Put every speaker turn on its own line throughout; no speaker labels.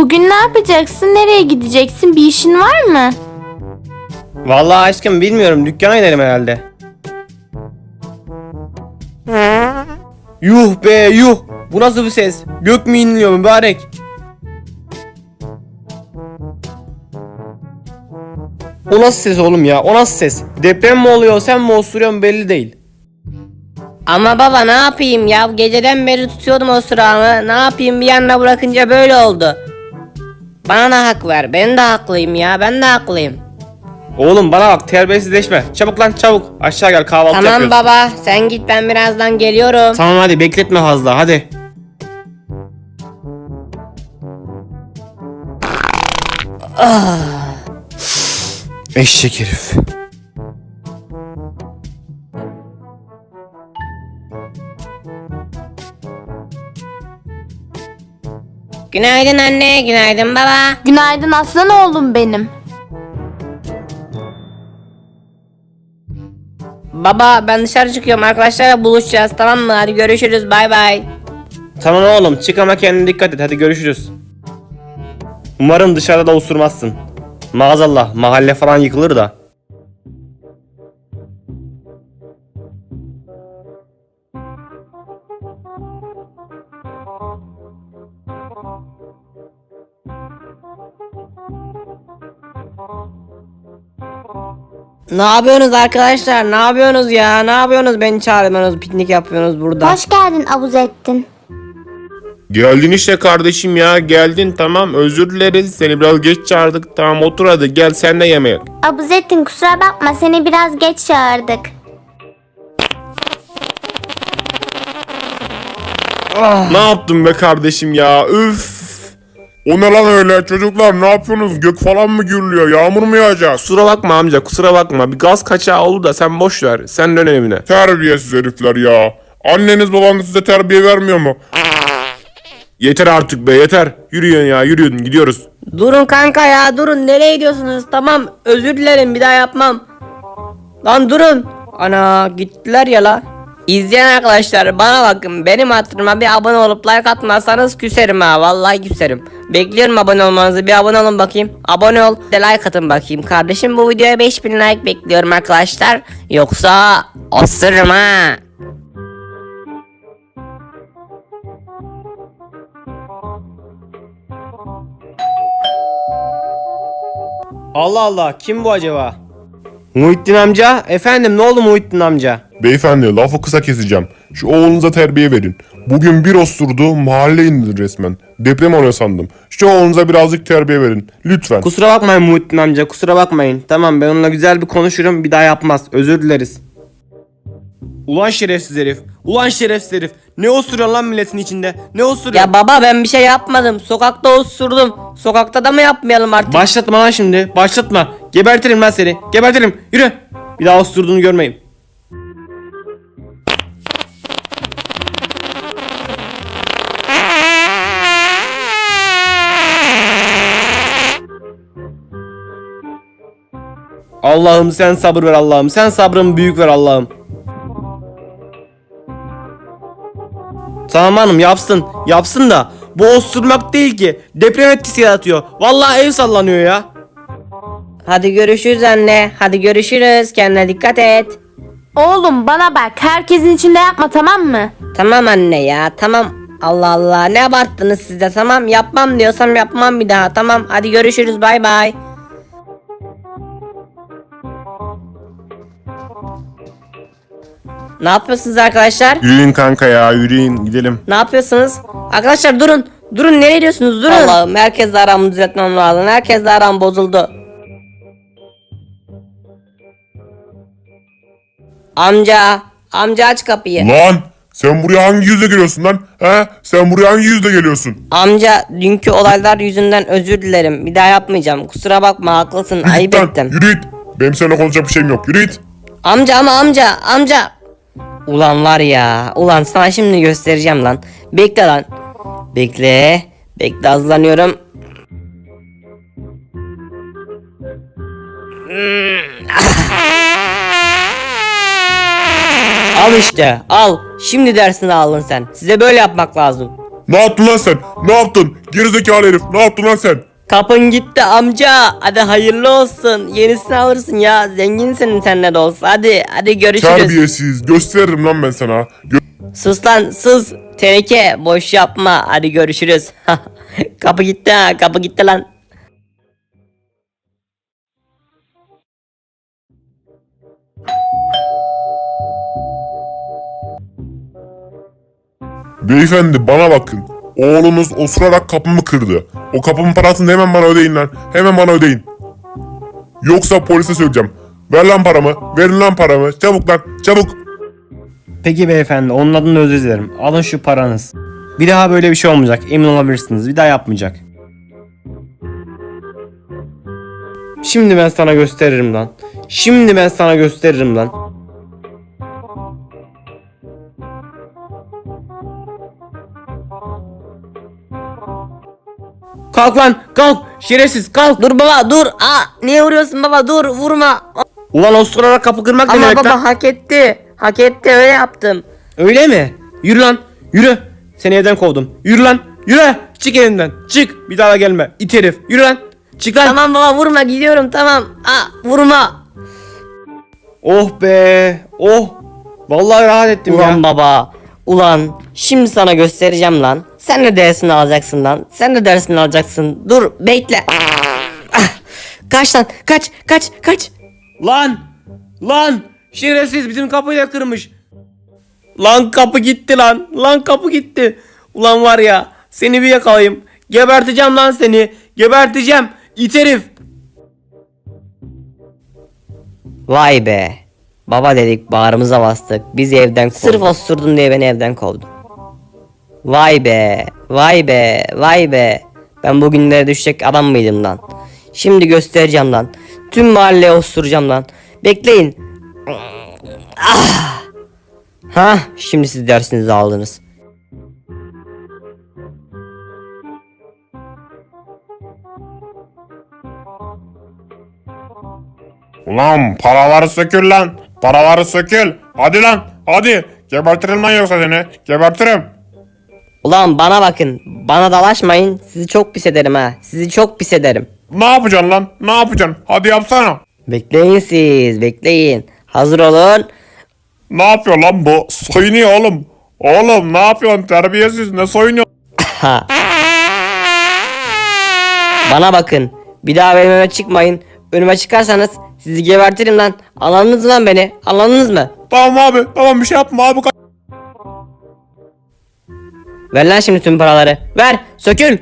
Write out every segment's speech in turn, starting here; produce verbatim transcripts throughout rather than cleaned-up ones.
Bugün ne yapacaksın? Nereye gideceksin? Bir işin var mı?
Vallahi aşkım bilmiyorum, dükkana gidelim herhalde. Yuh be yuh. Bu nasıl bir ses? Gök mü inliyor mübarek? O nasıl ses oğlum ya? O nasıl ses? Deprem mi oluyor, sen mi osuruyorsun belli değil.
Ama baba ne yapayım ya, geceden beri tutuyordum o sıramı, ne yapayım, bir yanına bırakınca böyle oldu. Bana da hak ver, ben de haklıyım ya, ben de haklıyım.
Oğlum bana bak, terbiyesizleşme. Çabuk lan çabuk. Aşağı gel, kahvaltı
Tamam
yapıyoruz.
baba, sen git, ben birazdan geliyorum.
Tamam hadi, bekletme fazla hadi.
Ah.
Eşek herif.
Günaydın anne, günaydın baba.
Günaydın aslan oğlum benim.
Baba ben dışarı çıkıyorum, arkadaşlarla buluşacağız, tamam mı? Hadi görüşürüz, bay bay.
Tamam oğlum, çık ama kendine dikkat et, hadi görüşürüz. Umarım dışarıda da osurmazsın. Maazallah, mahalle falan yıkılır da.
Ne yapıyorsunuz arkadaşlar, ne yapıyorsunuz ya, ne yapıyorsunuz, beni çağırmıyorsunuz, piknik yapıyorsunuz burada.
Hoş geldin Abuzettin.
Geldin işte kardeşim ya, geldin, tamam, özür dileriz, seni biraz geç çağırdık, tamam, otur hadi, gel sen de yemeğe.
Abuzettin kusura bakma, seni biraz geç çağırdık.
Ne yaptın be kardeşim ya, üf. O ne lan öyle, çocuklar ne yapıyorsunuz, gök falan mı gürlüyor, yağmur mu yağacak?
Kusura bakma amca, kusura bakma. Bir gaz kaçağı oldu da sen boş ver. Sen dön evine.
Terbiyesiz herifler ya, anneniz babanız size terbiye vermiyor mu?
Yeter artık be, yeter. Yürüyün ya, yürüyün, gidiyoruz.
Durun kanka ya, durun, nereye gidiyorsunuz? Tamam, özür dilerim, bir daha yapmam. Lan durun. Ana gittiler ya la. İzleyen arkadaşlar bana bakın, benim hatırıma bir abone olup like atmazsanız küserim ha, vallahi küserim. Bekliyorum abone olmanızı, bir abone olun bakayım. Abone ol, de like atın bakayım. Kardeşim bu videoya beş bin like bekliyorum arkadaşlar. Yoksa osururum ha.
Allah Allah, kim bu acaba? Muhittin amca, efendim ne oldu Muhittin amca?
Beyefendi, lafı kısa keseceğim, şu oğlunuza terbiye verin. Bugün bir osurdu, mahalle indir resmen. Deprem oluyor sandım. Şu oğlunuza birazcık terbiye verin, lütfen.
Kusura bakmayın Muhittin amca, kusura bakmayın. Tamam, ben onunla güzel bir konuşurum, bir daha yapmaz. Özür dileriz. Ulan şerefsiz herif, ulan şerefsiz herif. Ne osuruyorsun lan milletin içinde? Ne osuruyorsun?
Ya baba ben bir şey yapmadım, sokakta osurdum. Sokakta da mı yapmayalım artık?
Başlatma lan şimdi, başlatma. Gebertirim lan seni, gebertirim. Yürü. Bir daha osurduğunu görmeyeyim. Allah'ım sen sabır ver Allah'ım. Sen sabrımı büyük ver Allah'ım. Tamam hanım, yapsın. Yapsın da bu osurmak değil ki. Deprem etkisi yaratıyor. Vallahi ev sallanıyor ya.
Hadi görüşürüz anne. Hadi görüşürüz. Kendine dikkat et.
Oğlum bana bak, herkesin içinde yapma, tamam mı?
Tamam anne ya, tamam. Allah Allah, ne abarttınız siz de, tamam. Yapmam diyorsam yapmam bir daha, tamam. Hadi görüşürüz, bay bay. Ne yapıyorsunuz arkadaşlar?
Yürüyün kanka ya, yürüyün, gidelim.
Ne yapıyorsunuz? Arkadaşlar durun. Durun, nereye gidiyorsunuz? Durun. Allah'ım, herkesle aramı düzeltmem lazım. Herkesle aram bozuldu. Amca. Amca aç kapıyı.
Lan sen buraya hangi yüzle geliyorsun lan? He? Sen buraya hangi yüzle geliyorsun?
Amca dünkü olaylar yüzünden özür dilerim. Bir daha yapmayacağım. Kusura bakma, haklısın. Ayıp
Lan,
ettim.
yürü git. Benim seninle konuşacak bir şeyim yok. Yürü git.
Amca ama amca. Amca. Ulan var ya. Ulan sana şimdi göstereceğim lan. Bekle lan. Bekle. Bekle, hazırlanıyorum. Al işte, al. Şimdi dersini aldın sen. Size böyle yapmak lazım.
Ne yaptın lan sen? Ne yaptın? Gerizekalı herif. Ne yaptın lan sen?
Kapın gitti amca. Hadi hayırlı olsun. Yenisini alırsın ya. Zenginsin sen ne de olsa. Hadi hadi görüşürüz.
Terbiyesiz. Gösteririm lan ben sana. Gö-
Sus lan sus. Teneke boş yapma. Hadi görüşürüz. Kapı gitti ha. Kapı gitti lan.
Beyefendi bana bakın. Oğlunuz osurarak kapımı kırdı. O kapımın parasını hemen bana ödeyin lan. Hemen bana ödeyin. Yoksa polise söyleyeceğim. Ver lan paramı. Verin lan paramı. Çabuk lan. Çabuk.
Peki beyefendi, onun adına özür dilerim. Alın şu paranız. Bir daha böyle bir şey olmayacak, emin olabilirsiniz. Bir daha yapmayacak. Şimdi ben sana gösteririm lan. Şimdi ben sana gösteririm lan. Kalk lan, kalk. Şerefsiz, kalk.
Dur baba dur. Aa, niye vuruyorsun baba dur vurma.
Ulan osturarak kapı kırmak ne
Ama
demek
baba
lan?
hak etti. Hak etti öyle yaptım.
Öyle mi? Yürü lan, yürü. Seni evden kovdum. Yürü lan, yürü. Çık evimden, çık. Bir daha gelme. İt herif. Yürü lan. Çık lan.
Tamam baba vurma gidiyorum tamam. Aa, vurma.
Oh be, oh. Vallahi rahat ettim
Ulan
ya.
baba. Ulan şimdi sana göstereceğim lan. Sen de dersini alacaksın lan. Sen de dersini alacaksın. Dur bekle. Ah, kaç lan kaç kaç kaç.
Lan, lan. Şerefsiz bizim kapıyı da kırmış. Lan kapı gitti lan. Lan kapı gitti. Ulan var ya, seni bir yakalayayım. Geberteceğim lan seni. Geberteceğim. İt herif.
Vay be. Baba dedik bağrımıza bastık. Bizi evden kovdu. Sırf osurdun diye beni evden kovdu. Vay be. Vay be. Vay be. Ben bugünlere düşecek adam mıydım lan? Şimdi göstereceğim lan. Tüm mahalleye osuracağım lan. Bekleyin. Ah. Ha, şimdi siz dersinizi aldınız.
Ulan paraları sökül lan. Paraları sökül. Hadi lan. Hadi. Gebertirim lan yoksa seni. Gebertirim.
Ulan bana bakın. Bana dalaşmayın. Sizi çok pis ederim ha. Sizi çok pis ederim.
Ne yapacaksın lan? Ne yapacaksın? Hadi yapsana.
Bekleyin siz. Bekleyin. Hazır olun.
Ne yapıyor lan bu? Soyunuyor oğlum. Oğlum ne yapıyorsun? Terbiyesiz. Ne soyunuyor?
Ha. Bana bakın. Bir daha benim önüme çıkmayın. Önüme çıkarsanız sizi gebertirim lan. Anladınız mı lan beni? Anladınız mı?
Tamam abi. Tamam bir şey yapma abi.
Ver lan şimdi tüm paraları. Ver. Sökül.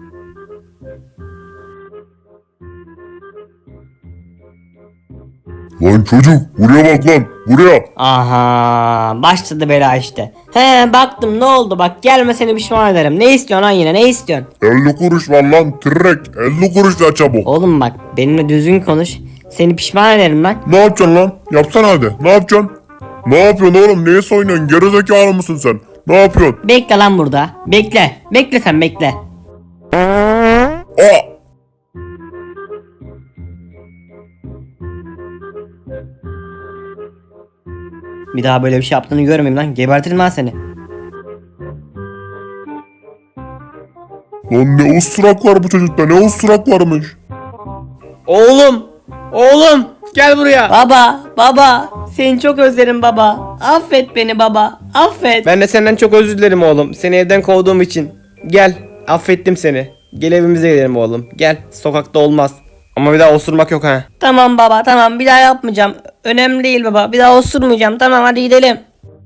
Lan çocuk. Buraya bak lan. Buraya.
Aha. Başladı bela işte. He baktım ne oldu bak gelme seni pişman ederim. Ne istiyorsun lan yine ne istiyorsun?
elli kuruş var lan. Tırrek. elli kuruş da çabuk.
Oğlum bak benimle düzgün konuş. Seni pişman ederim lan.
Ne yapacaksın lan? Yapsana hadi. Ne yapacaksın? Ne yapıyorsun oğlum? Neye soyunuyorsun? Gerizekalı mısın sen? Ne yapıyorsun?
Bekle lan burada. Bekle. Bekle sen bekle.
Aa!
Bir daha böyle bir şey yaptığını görmeyeyim lan. Gebertirim lan seni.
Lan ne usturak var bu çocukta? Ne usturak varmış?
Oğlum, oğlum. Gel buraya.
Baba, baba. Seni çok özlerim baba. Affet beni baba. Affet.
Ben de senden çok özür dilerim oğlum. Seni evden kovduğum için. Gel, affettim seni. Gel evimize gidelim oğlum. Gel, sokakta olmaz. Ama bir daha osurmak yok ha.
Tamam baba tamam bir daha yapmayacağım. Önemli değil baba. Bir daha osurmayacağım. Tamam hadi gidelim.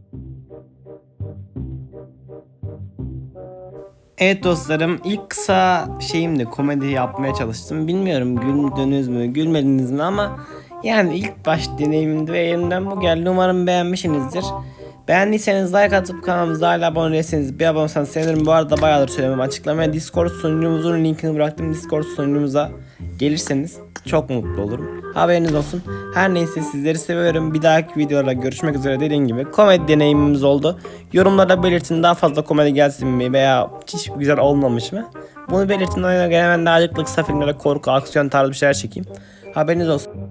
Evet dostlarım, ilk kısa şeyimdi, komedi yapmaya çalıştım. Bilmiyorum güldünüz mü, gülmediniz mi ama yani ilk baş deneyimimdi ve elimden bu geldi. Umarım beğenmişsinizdir. Beğendiyseniz like atıp kanalımıza hala abone değilseniz bir abone olsanız sevinirim. Bu arada bayağıdır söylemem, açıklamaya Discord sunucumuzun linkini bıraktım. Discord sunucumuza gelirseniz çok mutlu olurum. Haberiniz olsun. Her neyse sizleri seviyorum. Bir dahaki videolarda görüşmek üzere. Dediğim gibi komedi deneyimimiz oldu. Yorumlarda belirtin, daha fazla komedi gelsin mi veya hiç güzel olmamış mı? Bunu belirtin. Ona göre hemen daha acıklı kısa filmlere korku, aksiyon tarzı bir şeyler çekeyim. Haberiniz olsun.